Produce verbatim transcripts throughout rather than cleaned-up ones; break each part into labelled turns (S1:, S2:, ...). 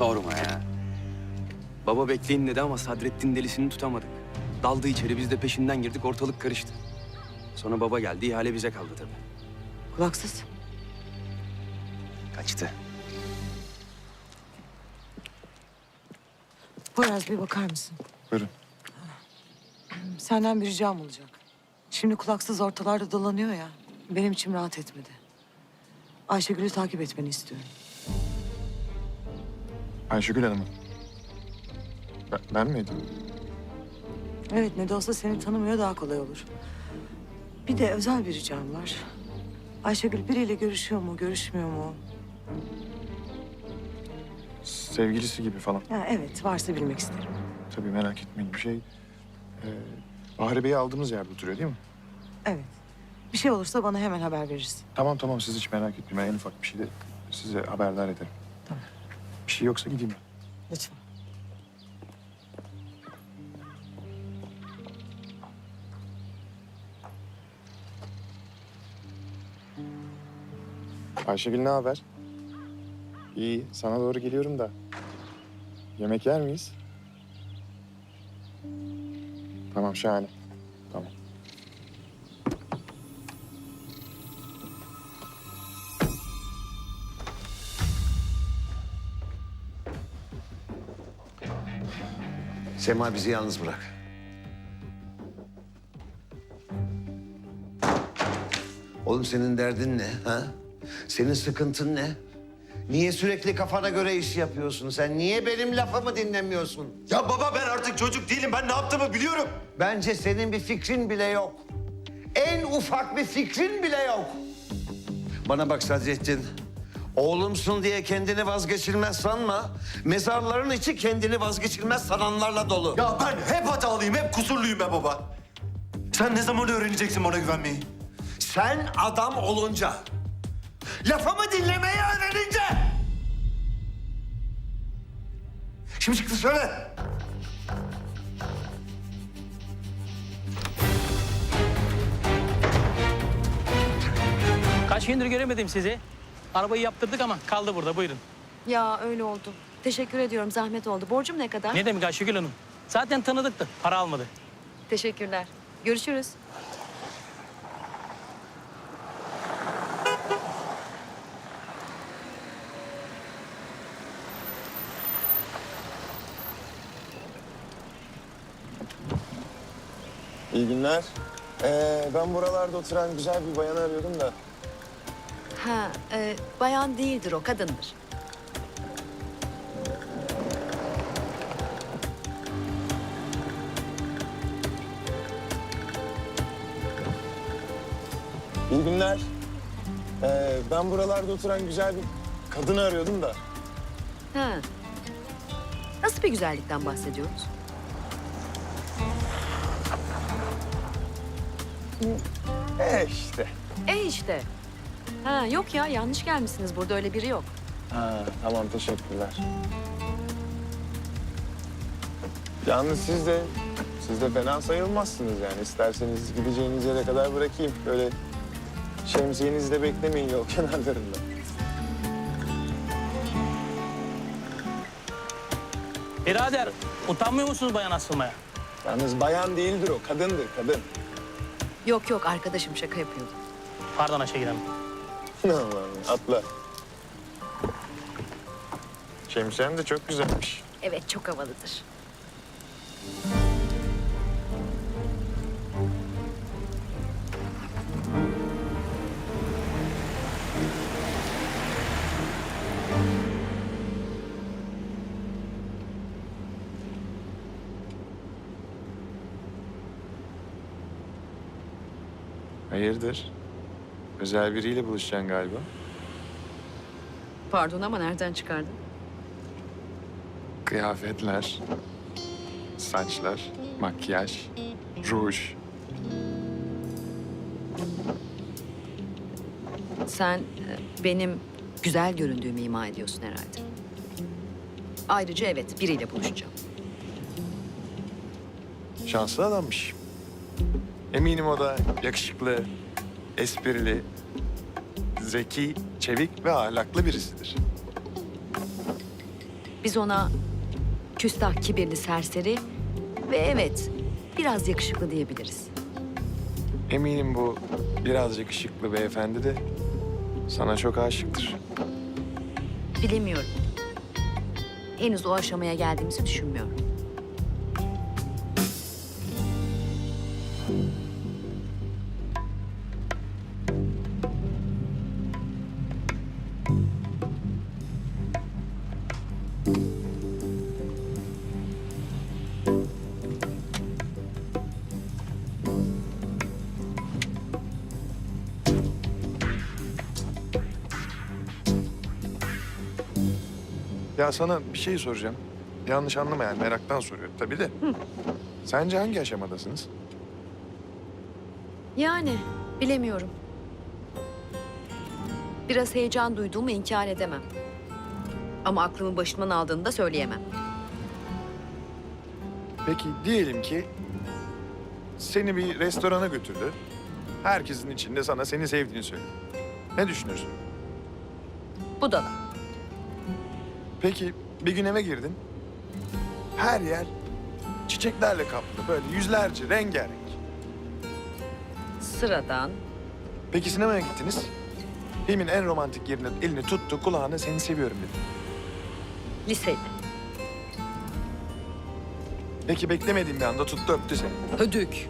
S1: Sorma ya. Baba bekleyin dedi ama Sadrettin delisini tutamadık. Daldı içeri, biz de peşinden girdik, ortalık karıştı. Sonra baba geldi, ihale bize kaldı tabii.
S2: Kulaksız.
S1: Kaçtı.
S2: Poyraz bir bakar mısın?
S3: Buyurun.
S2: Senden bir ricam olacak. Şimdi kulaksız ortalarda dolanıyor ya. Benim içim rahat etmedi. Ayşegül'ü takip etmeni istiyorum.
S3: Ayşegül Hanım. Ben, ben miydim?
S2: Evet, ne de olsa seni tanımıyor, daha kolay olur. Bir de özel bir ricam var. Ayşegül biriyle görüşüyor mu, görüşmüyor mu?
S3: Sevgilisi gibi falan.
S2: Ha, evet, varsa bilmek isterim.
S3: Tabii merak etmeyin bir şey. Ee, Bahri Bey'i aldığımız yerde oturuyor değil mi?
S2: Evet. Bir şey olursa bana hemen haber verirsin.
S3: Tamam tamam siz hiç merak etmeyin. Ben en ufak bir şeyde size haberdar ederim.
S2: Tamam.
S3: Bir şey yoksa gideyim ben.
S2: Lütfen.
S3: Ayşegül ne haber? İyi, sana doğru geliyorum da. Yemek yer miyiz? Tamam, şahane. Tamam.
S4: Sema bizi yalnız bırak. Oğlum senin derdin ne ha? Senin sıkıntın ne? Niye sürekli kafana göre iş yapıyorsun? Sen niye benim lafımı dinlemiyorsun?
S5: Ya baba ben artık çocuk değilim. Ben ne yaptığımı biliyorum.
S4: Bence senin bir fikrin bile yok. En ufak bir fikrin bile yok. Bana bak Sadrettin. Oğlumsun diye kendini vazgeçilmez sanma. Mezarların içi kendini vazgeçilmez sananlarla dolu.
S5: Ya ben hep hatalıyım, hep kusurluyum be baba. Sen ne zaman öğreneceksin bana güvenmeyi?
S4: Sen adam olunca, lafımı dinlemeyi öğrenince. Şimdi çıktı söyle.
S6: Kaç gündür göremedim sizi. Arabayı yaptırdık ama kaldı burada. Buyurun.
S7: Ya öyle oldu. Teşekkür ediyorum. Zahmet oldu. Borcum ne kadar?
S6: Ne demek Ayşegül Hanım? Zaten tanıdıktı. Para almadı.
S7: Teşekkürler. Görüşürüz.
S3: İyi günler. Ee, ben buralarda oturan güzel bir bayanı arıyordum da.
S7: Ha, e, bayan değildir o, kadındır.
S3: İyi günler. Ee, ben buralarda oturan güzel bir kadını arıyordum da.
S7: Ha. Nasıl bir güzellikten bahsediyoruz?
S3: E işte.
S7: E işte. Ha, yok ya, yanlış gelmişsiniz. Burada öyle biri yok.
S3: Ha, tamam teşekkürler. Yalnız siz de, siz de fena sayılmazsınız yani. İsterseniz gideceğiniz yere kadar bırakayım. Böyle şemsiyenizi de beklemeyin yol kenarlarında.
S6: Birader, utanmıyor musunuz bayan asılmaya?
S3: Yalnız bayan değildir o, kadındır, kadın.
S7: Yok yok, arkadaşım şaka yapıyordu.
S6: Pardon Ayşegül Hanım.
S3: Allah'ım, atla. Şemsiyen de çok güzelmiş.
S7: Evet, çok havalıdır.
S3: Hayırdır? Özel biriyle buluşacaksın galiba.
S7: Pardon ama nereden çıkardın?
S3: Kıyafetler, saçlar, makyaj, ruj.
S7: Sen e, benim güzel göründüğümü ima ediyorsun herhalde. Ayrıca evet, biriyle buluşacağım.
S3: Şanslı adammış. Eminim o da yakışıklı, esprili, zeki, çevik ve ahlaklı birisidir.
S7: Biz ona küstah, kibirli, serseri ve evet biraz yakışıklı diyebiliriz.
S3: Eminim bu biraz yakışıklı beyefendi de sana çok aşıktır.
S7: Bilemiyorum. Henüz o aşamaya geldiğimizi düşünmüyorum.
S3: Ya sana bir şey soracağım. Yanlış anlama yani meraktan soruyorum tabii de. Sence hangi aşamadasınız?
S7: Yani bilemiyorum. Biraz heyecan duyduğumu inkar edemem. Ama aklımı başımdan aldığını da söyleyemem.
S3: Peki diyelim ki seni bir restorana götürdü. Herkesin içinde sana seni sevdiğini söyledi. Ne düşünürsün?
S7: Bu da da.
S3: Peki bir gün eve girdin. Her yer çiçeklerle kaplı. Böyle yüzlerce rengarenk.
S7: Sıradan.
S3: Peki sinemaya gittiniz. Filmin en romantik yerine elini tuttu, kulağına seni seviyorum dedi.
S7: Liseli.
S3: Peki beklemediğin bir anda tuttu öptü seni.
S7: Hödük.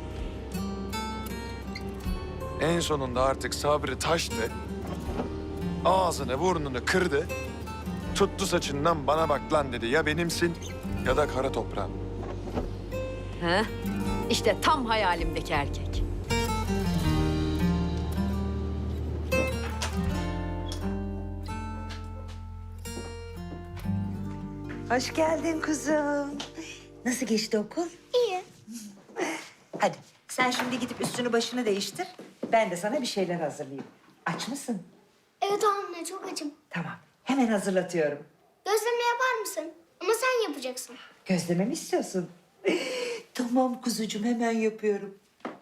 S3: En sonunda artık sabrı taştı. Ağzını burnunu kırdı. Tuttu saçından bana bak lan dedi. Ya benimsin ya da kara toprağın.
S7: He? İşte tam hayalimdeki erkek.
S2: Hoş geldin kuzum. Nasıl geçti okul?
S8: İyi.
S2: Hadi sen şimdi gidip üstünü başını değiştir. Ben de sana bir şeyler hazırlayayım. Aç mısın?
S8: Evet anne çok acım.
S2: Tamam. Hemen hazırlatıyorum.
S8: Gözleme yapar mısın? Ama sen yapacaksın.
S2: Gözleme mi istiyorsun? Tamam kuzucuğum hemen yapıyorum.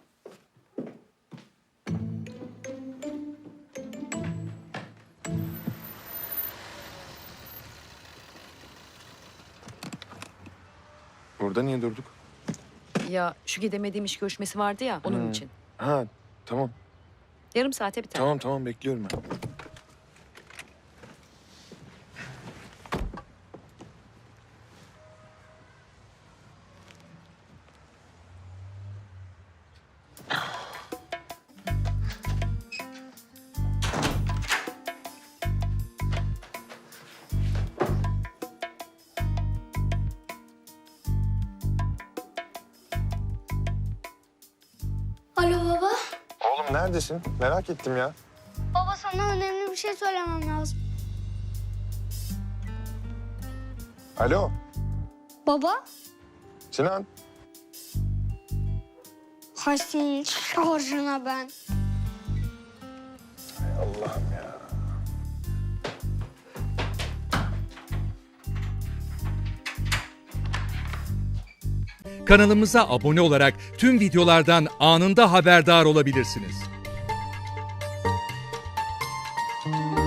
S3: Burada niye durduk?
S7: Ya şu gidemediğim iş görüşmesi vardı ya onun için.
S3: Ha tamam.
S7: Yarım saate biter.
S3: Tamam tamam bekliyorum ben.
S8: Alo baba.
S3: Oğlum neredesin? Merak ettim ya.
S8: Baba sana önemli bir şey söylemem lazım.
S3: Alo
S8: Baba?
S3: Sinan.
S8: Hay senin şarjına ben.
S3: Allah'ım ya.
S9: Kanalımıza abone olarak tüm videolardan anında haberdar olabilirsiniz.